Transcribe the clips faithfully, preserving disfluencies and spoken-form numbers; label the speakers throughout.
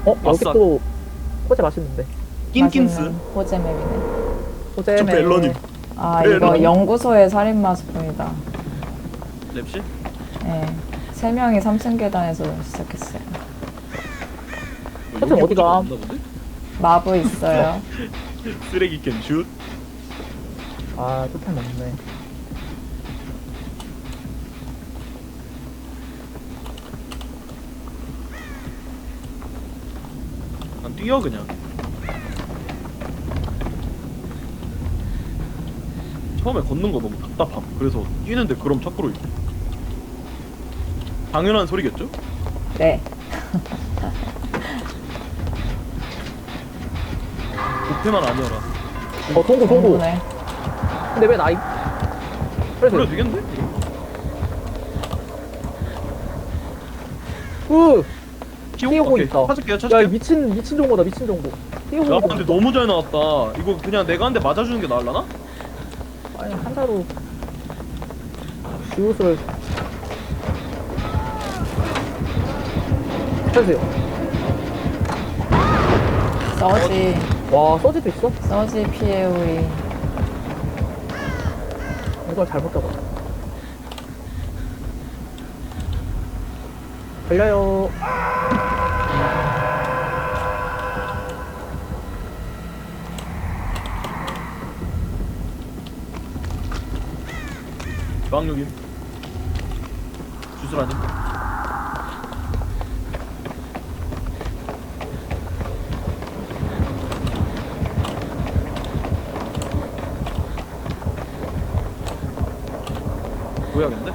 Speaker 1: 어? 여기
Speaker 2: 아싸.
Speaker 1: 또 호재 맛있는데.
Speaker 2: 낀낀스.
Speaker 3: 맛있는 호재맵이네.
Speaker 1: 호재
Speaker 2: 저 벨러님.
Speaker 3: 아
Speaker 2: 네,
Speaker 3: 이거
Speaker 2: 너무-
Speaker 3: 연구소의 살인마 스폰이다.
Speaker 2: 랩실?
Speaker 3: 예. 세 명이 삼 층 계단에서 시작했어요.
Speaker 1: 하여튼 어디가?
Speaker 3: 마브 있어요.
Speaker 2: 쓰레기 캔 슛.
Speaker 1: 아, 토템 없네.
Speaker 2: 난 뛰어 그냥. 처음에 걷는 거 너무 답답함. 그래서 뛰는데 그럼 착구로 있고. 당연한 소리겠죠?
Speaker 3: 네.
Speaker 2: 목표만 아니어라.
Speaker 1: 어, 동구, 동구.
Speaker 3: 공부네.
Speaker 1: 근데 왜 나이? 그래서.
Speaker 2: 그래도 되겠는데?
Speaker 1: 으!
Speaker 2: 키워?
Speaker 1: 뛰어보고
Speaker 2: 오케이.
Speaker 1: 있다.
Speaker 2: 찾을게요,
Speaker 1: 야,
Speaker 2: 찾을게요.
Speaker 1: 이 미친, 미친 정보다, 미친 정보. 뛰어보고
Speaker 2: 야,
Speaker 1: 있다.
Speaker 2: 근데 너무 잘 나왔다. 이거 그냥 내가 한 대 맞아주는 게 나을라나?
Speaker 1: 아니, 한자로. 지웃을. 해주세요.
Speaker 3: 서지.
Speaker 1: 와, 서지도 있어?
Speaker 3: 서지 피해 우리.
Speaker 1: 이걸 잘못 잡아. 달려요.
Speaker 2: 주황육임. 주술아님. 보여야겠는데?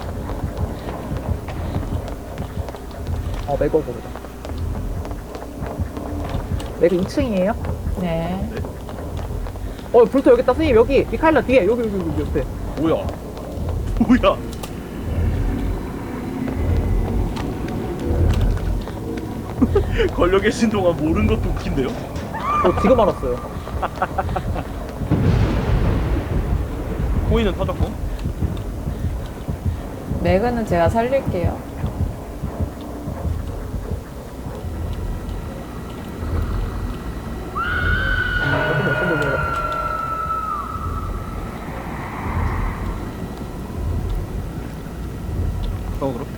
Speaker 1: 어, 맥어 보자. 맥어 이 층이에요?
Speaker 3: 네.
Speaker 1: 어, 브루토 여기 있다. 선생님, 여기. 미카엘라 뒤에. 여기, 여기, 여기, 옆에.
Speaker 2: 뭐야? 뭐야? 걸려 계신 동안 모르는 것도 웃긴데요?
Speaker 1: 저 지금 알았어요.
Speaker 2: 코인은 터졌고.
Speaker 3: 맥은 제가 살릴게요.
Speaker 1: 조금 어떤 걸 같아.
Speaker 2: 어 그럼?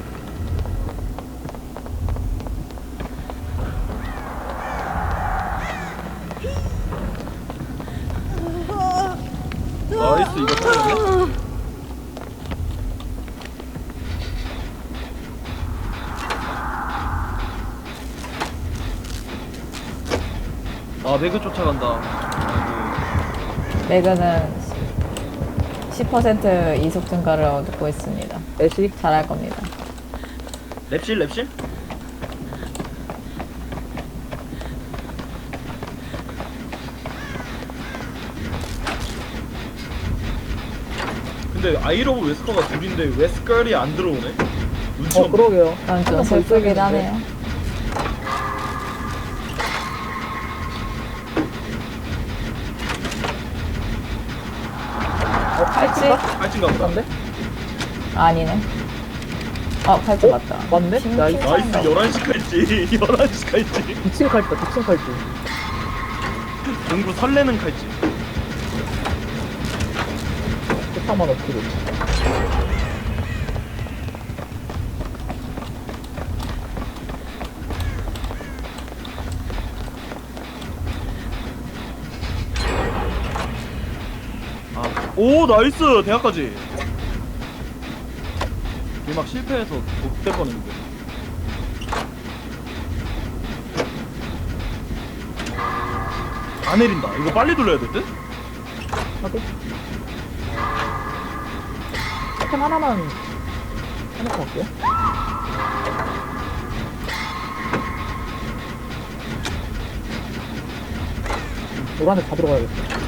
Speaker 2: 나이스 이거 터졌네? 아 매그 쫓아간다. 아이고.
Speaker 3: 맥은 십 퍼센트 이속 증가를 얻고 있습니다.
Speaker 1: 애쉬.
Speaker 3: 잘할 겁니다.
Speaker 2: 랩실 랩실? 근데 아이러브 웨스커가 둘인데 웨스컬이 안 들어오네? 눈치
Speaker 1: 어,
Speaker 2: 없네.
Speaker 1: 그러게요.
Speaker 3: 그건 좀
Speaker 1: 한명더
Speaker 3: 슬프긴
Speaker 1: 있어야겠는데.
Speaker 3: 하네요.
Speaker 1: 어,
Speaker 3: 팔찌?
Speaker 2: 팔찌인가 보다.
Speaker 1: 안돼?
Speaker 3: 아니네. 어, 팔찌
Speaker 1: 어?
Speaker 3: 맞다.
Speaker 1: 맞네?
Speaker 3: 핑-
Speaker 1: 나이스.
Speaker 3: 핑
Speaker 2: 나이스
Speaker 3: 찬다.
Speaker 2: 열한 시 칼찌 열한 시 칼찌
Speaker 1: 미친 칼찌다, 미친 칼찌.
Speaker 2: 공부 설레는 칼찌.
Speaker 1: 세상만 없기로.
Speaker 2: 아, 오 나이스 대학까지. 막 실패해서 못될 뻔했는데. 안 내린다. 이거 빨리 돌려야 될 듯?
Speaker 1: 하게. 아이템 하나만 해놓고 갈게요. 노란색 다 들어가야겠다.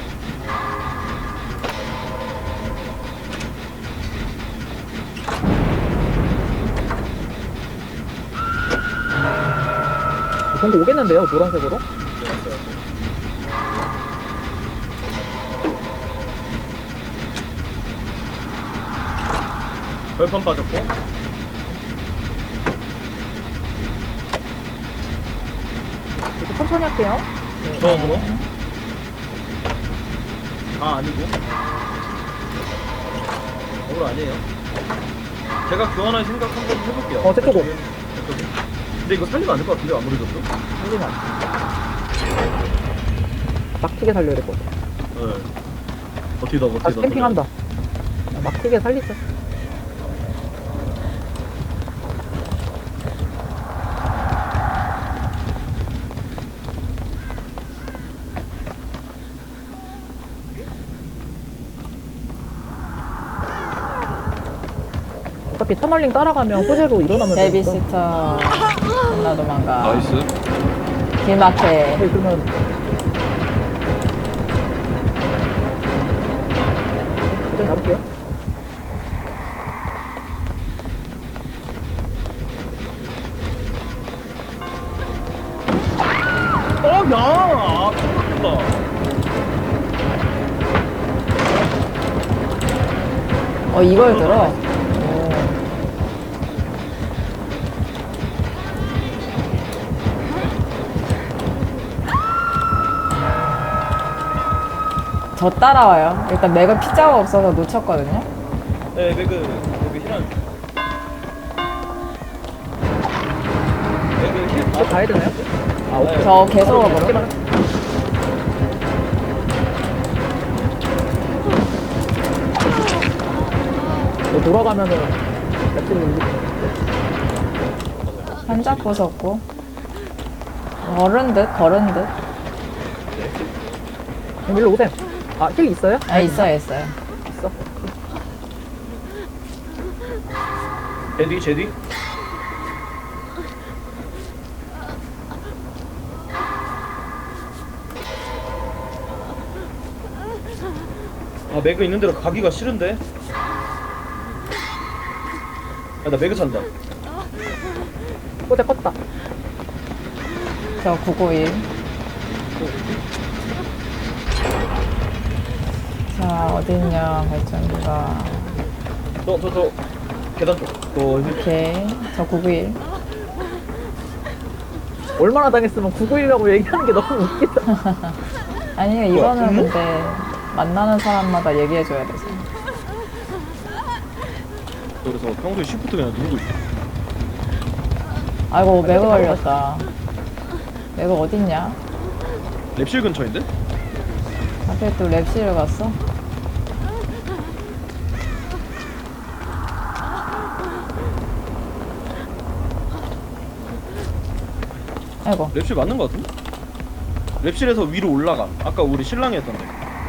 Speaker 1: 공고 오겠는데요, 노란색으로?
Speaker 2: 별판 빠졌고.
Speaker 1: 천천히 할게요.
Speaker 2: 저 그거? 아 아니고 오늘 아니에요. 제가 교환할 생각 한번 해볼게요.
Speaker 1: 어, 저쪽으로.
Speaker 2: 저쪽에. 근데 이거 살리면 안 될 것 같은데 아무래도 또?
Speaker 1: 살리면 막히게 살려야 될 것 같아.
Speaker 2: 네. 버티다 버티다.
Speaker 1: 다시 캠핑한다. 막히게 살리자. 어차피 터널링 따라가면 호재로 일어나면 되니까.
Speaker 3: 베이비시터 존나 도망가.
Speaker 2: 나이스.
Speaker 3: 길막해.
Speaker 1: 네, 그러면 일단 잡을게요.
Speaker 2: 어, 야! 아, 큰일났다.
Speaker 3: 어, 이걸 들어? 오. 저 따라와요. 일단 맥은 피자가 없어서 놓쳤거든요.
Speaker 2: 네, 매그, 매그 힐한. 매그 힐.
Speaker 1: 저 가야 되나요? 아, 오케이.
Speaker 3: 저 계속
Speaker 1: 바로
Speaker 3: 와버려.
Speaker 1: 그렇게만. 뭐 돌아가면은 랩트를 올리고.
Speaker 3: 한자 부쉈고. 걸은 듯, 걸은 듯.
Speaker 1: 그럼 일로 오셈. 아, 힐 있어요?
Speaker 3: 아, 있어요, 있어요.
Speaker 1: 있어.
Speaker 2: 제디, 제디. 아, 매그 있는 데로 가기가 싫은데? 아, 나 매그 찬다.
Speaker 1: 호재 껐다.
Speaker 3: 저 구구일. 자, 어딨냐, 발전기가.
Speaker 2: 저, 저, 저, 계단 쪽. 저,
Speaker 3: 오케이. 저 구구일.
Speaker 1: 얼마나 당했으면 구구일이라고 얘기하는 게 너무 웃기다.
Speaker 3: 아니요, 이거는 근데 만나는 사람마다 얘기해줘야 돼서.
Speaker 2: 그래서 평소에 시프트 그냥 누르고 있어.
Speaker 3: 아이고, 매그 걸렸다. 매그 어딨냐?
Speaker 2: 랩실 근처인데?
Speaker 3: 하필 또 랩실을 갔어? 아이고.
Speaker 2: 랩실 맞는 거 같은데? 랩실에서 위로 올라가. 아까 우리 신랑이 했던데.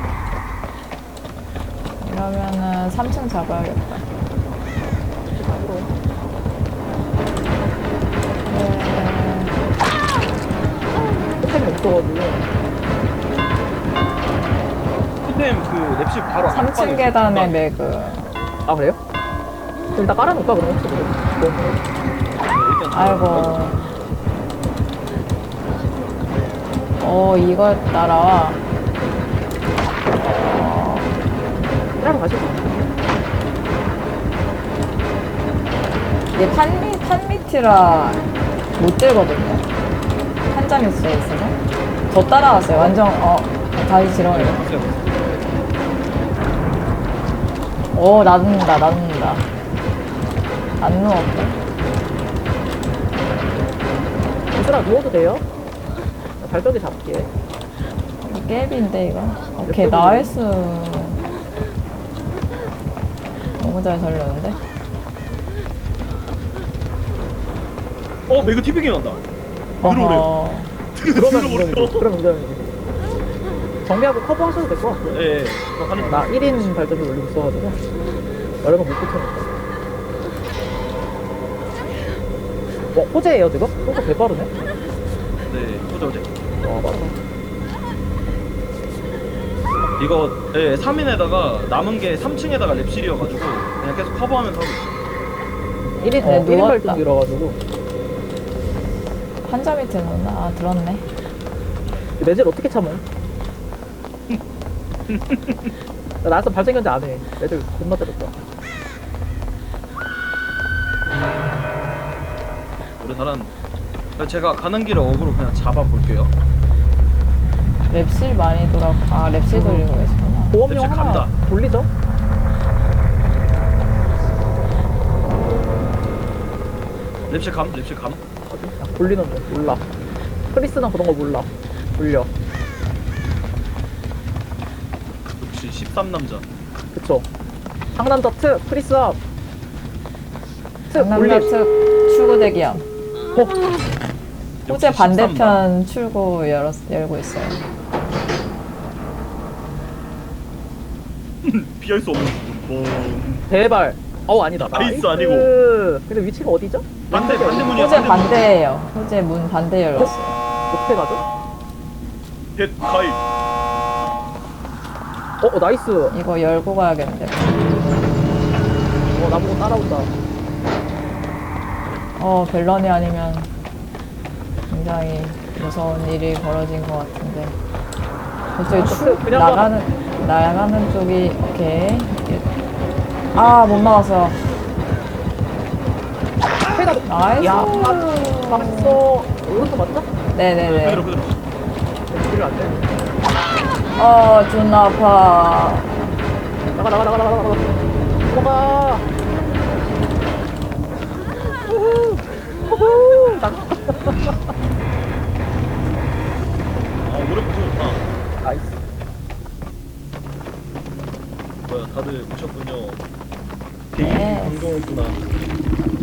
Speaker 3: 이러면은 삼 층 잡아야겠다.
Speaker 1: 호텔이 없어가지고.
Speaker 2: 토템 그 랩실 바로
Speaker 3: 삼 층
Speaker 2: 앞방에
Speaker 3: 계단에
Speaker 2: 있어.
Speaker 3: 매그.
Speaker 1: 아, 그래요? 그럼 나 깔아놓을까, 그럼 혹시 모르
Speaker 2: 네, 일단
Speaker 3: 아이고. 어, 이거 따라와. 어,
Speaker 1: 일하러 가시죠.
Speaker 3: 이게 판미, 판미티라 못 들거든요. 한자 미스에 있어서. 저 따라왔어요. 완전, 어, 다시 지렁이. 오, 나눕니다, 나눕니다. 안 누웠고.
Speaker 1: 얘들아, 누워도 돼요? 나 발전기 잡을게.
Speaker 3: 깨비인데, 이거. 오케이, 나이스. 너무 잘 살렸는데?
Speaker 2: 어, 매그 티빙이 난다. 들어오래요.
Speaker 3: 어허.
Speaker 1: 그러면
Speaker 2: 들어오래요.
Speaker 1: 인정이지. 그럼 인정이지. 정비하고 커버하셔도 될 것 같고.
Speaker 2: 예, 예. 저 하는
Speaker 1: 나 일 인 발전기 올리고 있어가지고. 여러분 못 붙여니까. 어, 호재예요, 지금? 호재 개 빠르네?
Speaker 2: 네, 어제 어제.
Speaker 1: 와, 빠르다.
Speaker 2: 이거 예, 삼 인에다가 남은 게 삼 층에다가 랩실이어가지고 그냥 계속 커버하면서 하고 있어.
Speaker 1: 일 인,
Speaker 3: 네,
Speaker 1: 어, 일 인
Speaker 3: 누웠다.
Speaker 1: 발전기라가지고.
Speaker 3: 한자 밑에 놓나? 아, 들었네.
Speaker 1: 매질 어떻게 참어? 나 나서 발전기 안 해. 매질 겁나 때렸다.
Speaker 2: 오래 살았는데. 제가 가는 길에 어그로 그냥 잡아볼게요.
Speaker 3: 랩실 많이 돌아. 아 랩실 돌리고 계시구나.
Speaker 1: 보험용
Speaker 2: 랩실
Speaker 1: 하나
Speaker 2: 간다.
Speaker 1: 돌리죠?
Speaker 2: 랩실 감, 랩실 감.
Speaker 1: 어디? 아, 돌리는 거 몰라. 크리스는 그런 거 몰라. 돌려.
Speaker 2: 역시 십삼 남자.
Speaker 1: 그쵸. 상남자 특 크리스 앞. 특
Speaker 3: 강남역
Speaker 1: 돌림.
Speaker 3: 특 출구 대기함.
Speaker 1: 어,
Speaker 3: 호재
Speaker 2: 역시
Speaker 3: 반대편 출구 열었, 열고 있어요.
Speaker 2: 피할 수 없는 부분. 뻥.
Speaker 1: 대발. 어우 아니다.
Speaker 2: 나이스
Speaker 1: 나이스.
Speaker 2: 아니고.
Speaker 1: 근데 위치가 어디죠?
Speaker 2: 반대 반대 문이야.
Speaker 3: 호재
Speaker 2: 반대 문.
Speaker 3: 반대예요. 호재 문 반대 열었어요.
Speaker 1: 어떻게 가죠?
Speaker 2: 헷 가입.
Speaker 1: 어, 어 나이스.
Speaker 3: 이거 열고 가야겠는데.
Speaker 1: 어 나보고 따라온다.
Speaker 3: 어 벨런이 아니면 굉장히 무서운 일이 벌어진 것 같은데. 저쪽에 출
Speaker 1: 그냥
Speaker 3: 나가는 나가는 쪽이 오케이. 아 못 막았어.
Speaker 1: 해가
Speaker 3: 나이스.
Speaker 1: 야, 맞어. 오른쪽 맞죠?
Speaker 3: 네네네.
Speaker 2: 그대로 그대로.
Speaker 1: 뒤로 안 돼.
Speaker 3: 어 존나 아파.
Speaker 1: 나가 나가 나가 나가 나가 나가. 넘어가. 후후. 후후. 나가.
Speaker 2: 아 오래 붙어졌다.
Speaker 1: 나이스.
Speaker 2: 뭐야 다들 오셨군요.
Speaker 3: 네.
Speaker 2: 개인 방송이구나.